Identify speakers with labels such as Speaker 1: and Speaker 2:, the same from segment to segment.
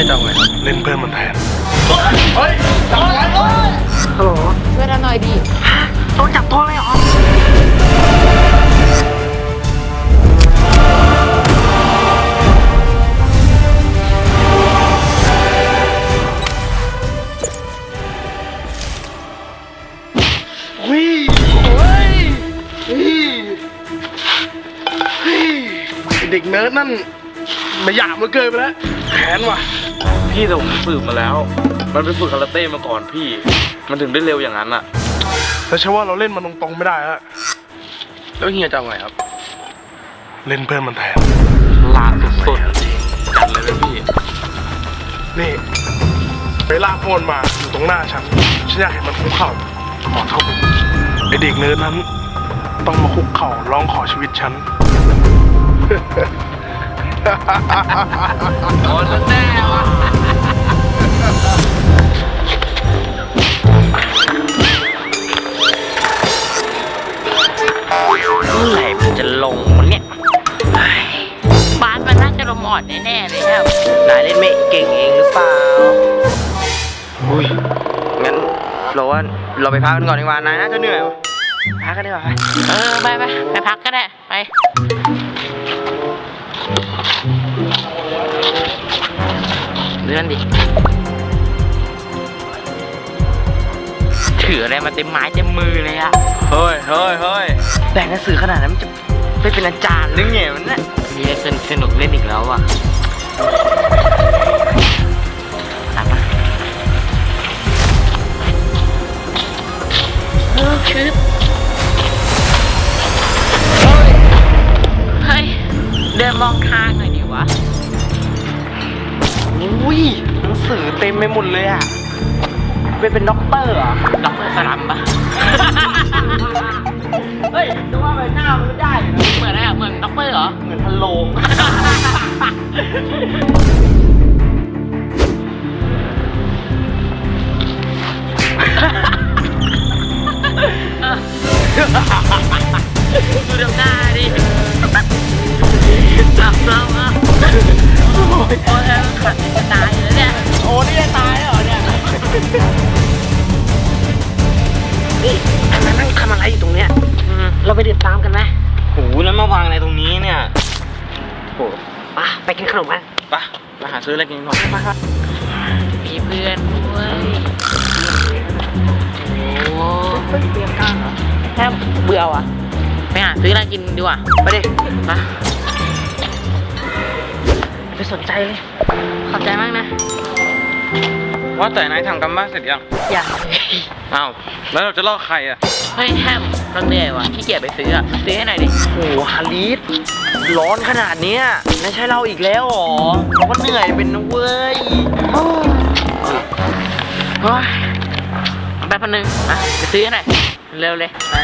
Speaker 1: จะเอาไงเล่นเพื่อนมันแทนเฮ้ยจับไว้ฮัลโหล
Speaker 2: ช่วยเราหน่อยดิ
Speaker 1: โดนจับตัวเลยเหรอเด็กเนิร์ดนั่นไม่หยาบมาเกินไปแล้วแขนว่ะ
Speaker 3: พี่แต่ผมฝึกมาแล้วมันไปฝึกคาราเต้มาก่อนพี่มันถึงได้เร็วอย่างนั้นอะ
Speaker 1: แต่ใช่ว่าเราเล่นมันตรงๆไม่ได้แล้ว
Speaker 3: แล้วเฮียจะเอาไงครับ
Speaker 1: เล่นเพื่อนมันแทน
Speaker 3: ลาสุดๆจัดเลยไหมพี่
Speaker 1: นี่ไปลากพนมาอยู่ตรงหน้าฉันอยากเห็นมันคุกเข่าขอเข้าไปไอเด็กเนิร์ดนั้นต้องมาคุกเข่าร้องขอชีวิตฉัน
Speaker 3: โอ้แน่วะ
Speaker 2: เมื่อไหร่มันจะลงวันเนี้ยบ้านมันน่าจะลมอ่อนแน่ๆเลยครับ
Speaker 4: นายเล่นไม่เก่งเองหรือเปล่าอุ้ยงั้นเราไปพักกันก่อนดีกว่านายน่าจะเหนื่อยวะพักกันดีกว่า
Speaker 2: ไปพักก็ได้ไปเลื่อนดิถืออะไรมาเต็มไม้เต็มมือเลยอะ
Speaker 4: เฮ้ยแต่งหนังสือขนาดนั้นมันจะไปเป็นอาจารย์หรือไงมันน่ะ
Speaker 2: มีอะไรสนุกเล่นอีกแล้วอะตามมาคือเฮ้ยเดินมองทางหน่อยดิวะ
Speaker 4: อุ้ยหนังสือเต็มไปหมดเลยอ่ะเป็นด็อกเตอร์อ่ะ
Speaker 2: ด็อกเตอร์สลัมปะ
Speaker 4: เฮ้ยดูว่าใบหน้ามันไม่ได้
Speaker 2: เหมือนอะไรอ่ะเหมือนด็อกเตอร์เหรอ
Speaker 4: เหมือนพันโลง
Speaker 2: ดูเดี๋ยวหน้าดิจับเราอ่ะโอ้ยขัดจะตายอยู่แล้วเนี่ย
Speaker 4: โอ้นี่จะตายเหรอเนี่ย
Speaker 2: นี่นั่งทำอะไรอยู่ตรงเนี้ยเราไปเดินตามกันไหม
Speaker 4: โหแล้วมาวางอะไรตรงนี้เนี่ย
Speaker 2: โหไปกินขนมกัน
Speaker 4: ไปหาซื้ออะไรกินก่อนไป
Speaker 2: มีเพื่อนด้วยโอ้เตรียมข้าวเหรอแค่เบื่อว่ะไปหาซื้ออะไรกินดีกว่า
Speaker 4: ไปดิ
Speaker 2: ไปสนใจเลยขอบใจมากนะ
Speaker 3: ว่าแต่นายทำกันบ้านเสร็จยังอ้าวแล้วเราจะล่อใครอ่ะ
Speaker 2: เฮ้ยแฮมเราเหนื่อยว่ะขี้เกียจไปซื้อซื้อให้หน่อยดิ
Speaker 4: โอ้ฮาริสร้อนขนาดนี้ไม่ใช่เราอีกแล้วหรอเราก็เหนื่อยเป็นนะเว้ย
Speaker 2: แป๊บนึงไปซื้อให้หน่อยเร็วเลยไป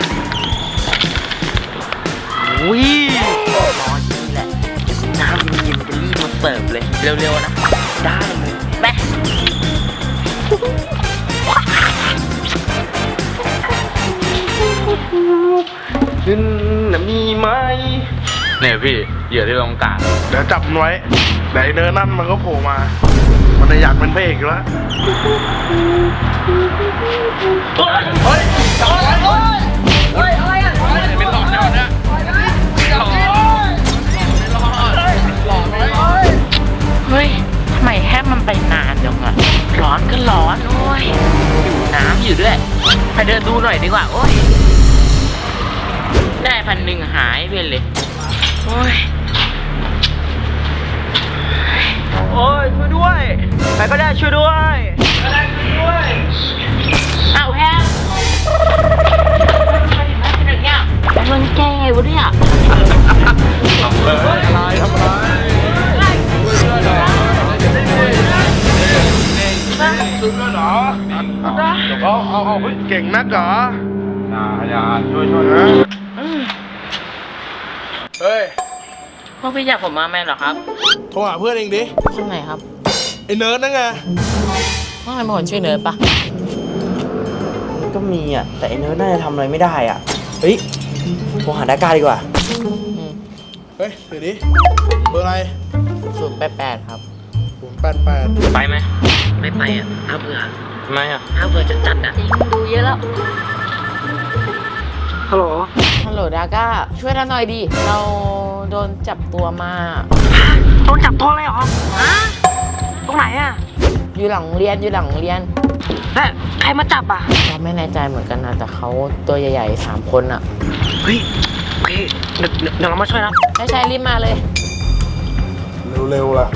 Speaker 4: อุ้ยร้อนนี่แหละน้ำเย็นๆจะรีบมาเสิร์ฟเลย
Speaker 2: เร็วๆนะ
Speaker 4: ได้เลย
Speaker 2: ไป
Speaker 4: ขึ้นนะมีไหม
Speaker 3: เนี่ยพี่เหยื่อที่เราต้องการ
Speaker 1: เดี๋ยวจับมันไว้ไหนเนิร์ดนั่นมันก็โผล่มามันอยากเป็นพระเอกอยู่แล้วเฮ้ยจับไว้
Speaker 2: อะไรอ่ะ
Speaker 3: เป็นหลอดแล้วนะ
Speaker 2: เฮ้ยทำไมแฮมมันไปนานจังอะร้อนก็ร้อนโอ้ยอยู่น้ำอยู่ด้วยไปเดินดูหน่อยดีกว่าโอ้ยได้1,000หายไปเลยโอ้ย
Speaker 4: ช่วยด้วยใครก็ได้ช่วยด้วย
Speaker 2: เอาแฮมมันแก่วะเนี่ย
Speaker 1: ทำอะไรช่วยด้วยเหรอเอาเก่งนักเหรออย่าช่วยนะเฮ้ย
Speaker 2: พวกพี่อยากผมมาแม่เหรอครับ
Speaker 1: โทรหาเพื่อนเองดิ
Speaker 2: คนไหนครับ
Speaker 1: ไอ้เนิร์ดนั่นไง
Speaker 2: ว่าไงมาคนชื่อเนิร์ดปะ
Speaker 4: ก็มีอ่ะแต่ไอ้เนิร์ดน่าจะทำอะไรไม่ได้อ่ะเฮ้ยโทรหาดาก้าดีกว่า
Speaker 1: เฮ้ยเดี๋ยวดิเบอร์อะไร
Speaker 2: 088ครับ
Speaker 1: 88
Speaker 3: ไปไหม
Speaker 2: ไม่ไปอ่ะน่าเบื่อ
Speaker 3: ทำไมอ่ะ
Speaker 2: น่าเบื่อจัดๆอ่ะ
Speaker 5: จริงดูเยอะแล้ว
Speaker 4: ฮัลโหล
Speaker 2: ฮัลโหลดาก้าช่วยเราหน่อยดิเราโดนจับตัวมา
Speaker 6: โดนจับตัวเลยเหรอฮะตรงไหนอะ
Speaker 2: อยู่หลังเรียน
Speaker 6: แล้วใครมาจับอะ
Speaker 2: เราไม่แน่ใจเหมือนกันนะแต่เขาตัวใหญ่ๆ3 คนอ่ะ
Speaker 6: เฮ้ยโอเคเดี๋ยวเรามาช่วยนะ
Speaker 2: ใช่รีบมาเลย
Speaker 1: เร็วๆล่ะ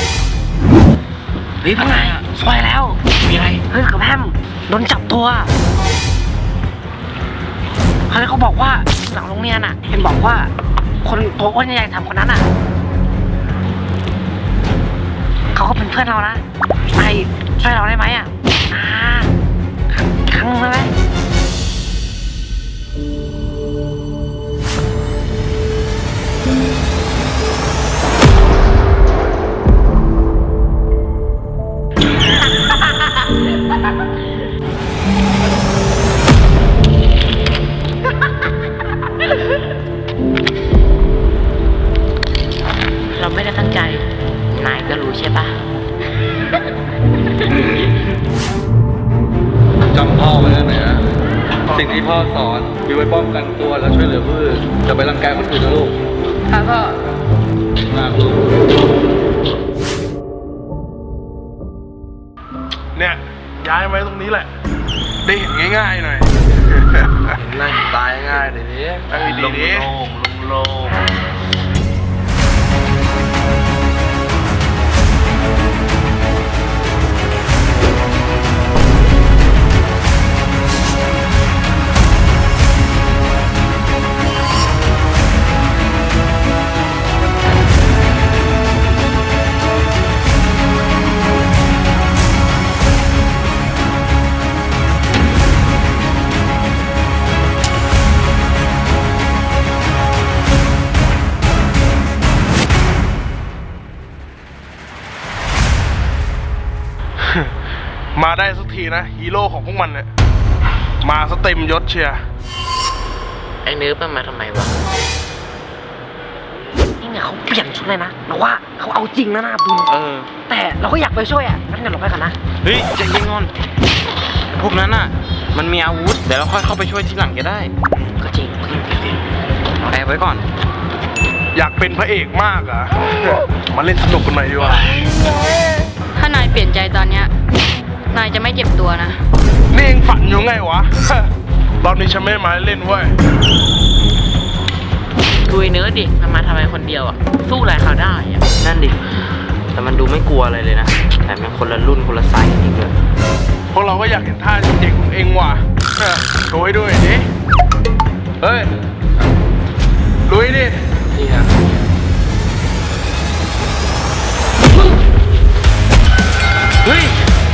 Speaker 6: เฮ้ยพวกนายช่วยแล้ว
Speaker 3: มีอะไร
Speaker 6: เฮ้ยกับแฮมโดนจับตัวเขาบอกว่าหลังโรงเรียนอะเห็นบอกว่าคนตัวอ้วนใหญ่ๆ3 คนนั้นอะเขาก็เป็นเพื่อนเรานะนายช่วยเราได้ไหมอะครั้งนึงได้ไหม
Speaker 2: เราไม่ได้ตั้งใจนายก็รู้ใช่ปะ
Speaker 3: จำพ่อไว้นะเนี่ยสิ่งที่พ่อสอนมีไว้ป้องกันตัวและช่วยเหลือผู้อื่นจะไปรังแกคนอื่นนะลูก
Speaker 5: ค่ะพ่อ
Speaker 3: มากลูก
Speaker 1: เนี่ยย้ายไว้ตรงนี้แหละ ได้เห็นง่ายๆหน่อย
Speaker 4: นั่งตายง่ายเดี๋ยวนี้
Speaker 1: นั่งดีๆดิ
Speaker 4: โล่ง
Speaker 1: มาได้สักทีนะฮีโร่ของพวกมันเนี่ยมาสเต็มยศเชียร์
Speaker 2: ไอ้เนื้อมันมาทำไมวะ
Speaker 6: นี่เนี่ยเขาเปลี่ยนชุดเลยนะเราว่าเขาเอาจริงนะนะบุญ แต่เราก็อยากไปช่วยอ่ะงั้นเดี๋ยวเราไปกันนะ
Speaker 3: เฮ้ยใจเย็นก่อนพวกนั้นน่ะ มันมีอาวุธ เดี๋ยวเราค่อยเข้าไปช่วยทีหลังก็ได้
Speaker 6: ก็จริง
Speaker 3: แอบไว้ก่อน
Speaker 1: อยากเป็นพระเอกมากอ่ะ มาเล่นสนุกกันหน่อยดีกว่า
Speaker 5: ถ้านายเปลี่ยนใจตอนเนี้ยนายจะไม่เจ็บตัวนะ
Speaker 1: นี่เองฝันอยู่ไงวะ รอบนี้ฉันไม่มาเล่นเว้ย
Speaker 2: ดูไอ้เนื้อดิมันมาทำไมคนเดียวอ่ะสู้อะไรเขาได้อ่ะ
Speaker 4: นั่นดิ แต่มันดูไม่กลัวอะไรเลยนะ แต่มันคนละรุ่นคนละไซส์กันอีกเลย
Speaker 1: พวกเราก็อยากเห็นท่าเจ๋งๆของเองว่ะโชว์ให้ด้วยดิเฮ้ยลุยดิ
Speaker 4: นี่นะ
Speaker 1: เฮ้ย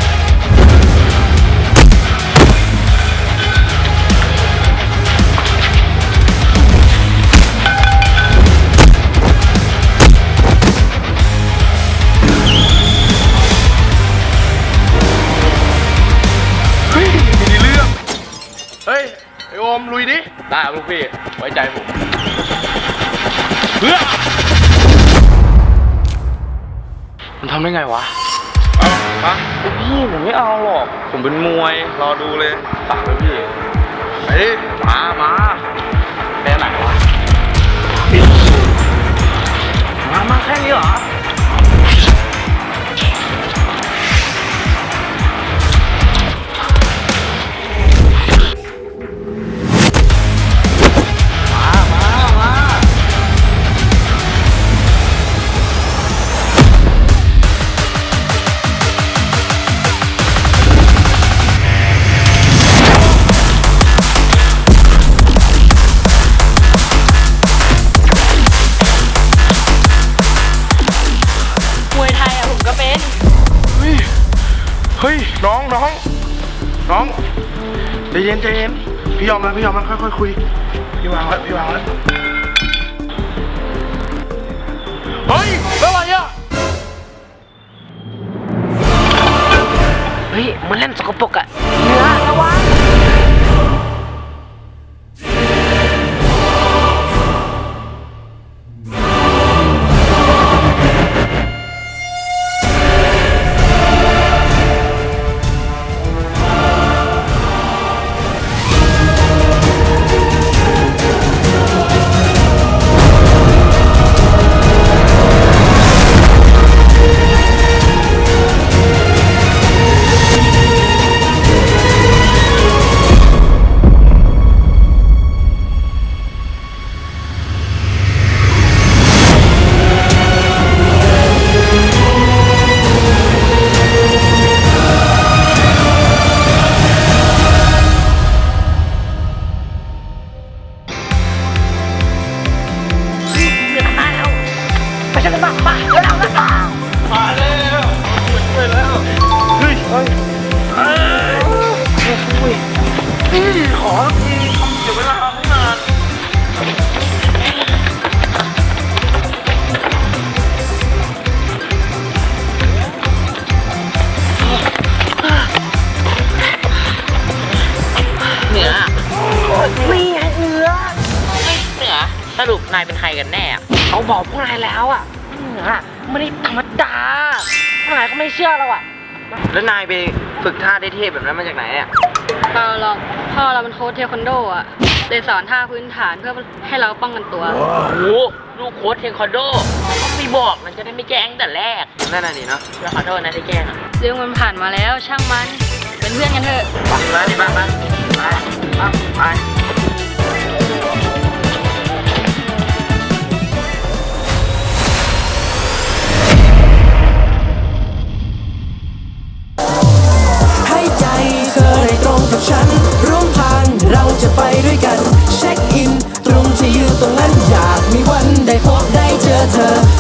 Speaker 1: เฮ้ยมีเรื่อง เฮ้ย ไอโอมลุยดิ
Speaker 3: ได้ลูกพี่ ไว้ใจผม
Speaker 1: เพื่อ
Speaker 3: มันทำได้ไงวะ
Speaker 1: เอามา
Speaker 3: พี่ผมไม่เอาหรอก ผมเป็นมวย รอดูเลยฝากเลยพี่
Speaker 1: ไปดิ
Speaker 3: มาไปไหนวะ
Speaker 6: มาแค่นี้เหรอ
Speaker 5: มวยไทยอ่ะผมก็เป็น
Speaker 1: เฮ้ย น้องใจเย็นพี่ยอมแล้วค่อยๆคุย พี่วางแล้วเฮ้ยแล้วอะไรอ่ะ
Speaker 6: เฮ้ยมันเล่นสกปรกอ่ะเนื้อระวัง
Speaker 2: ายเป็นใครกันแน่อะ
Speaker 6: เขาบอกพวกนายแล้วอ่ะไม่ได้ธรรมดาพวกนายก็ไม่เชื่อเราอ่ะ
Speaker 4: แล้วนายไปฝึกท่าได้เทพแบบนั้นมาจากไหนอ่ะ
Speaker 5: เปล่าหรอกพ่อเราเป็นโค้ชเทควันโดอ่ะเลยสอนท่าพื้นฐานเพื่อให้เราป้องกันตัว
Speaker 2: โอ้โหลูกโค้ชเทควันโดไม่บอกมันจะได้ไม่แกล้งแต่แรก
Speaker 4: นั่นน่ะดิเนาะ
Speaker 2: แล้วขอโทษนะที่แกล้งอะ
Speaker 5: เรื่องมันผ่านมาแล้วช่างมันเป็นเพื่อนกันเถอะ
Speaker 4: มาดิมาไป
Speaker 7: ให้ใจเธอได้ตรงกับฉันร่วมทางเราจะไปด้วยกันเช็คอินตรงที่อยู่ตรงนั้นอยากมีวันได้พบได้เจอเธอ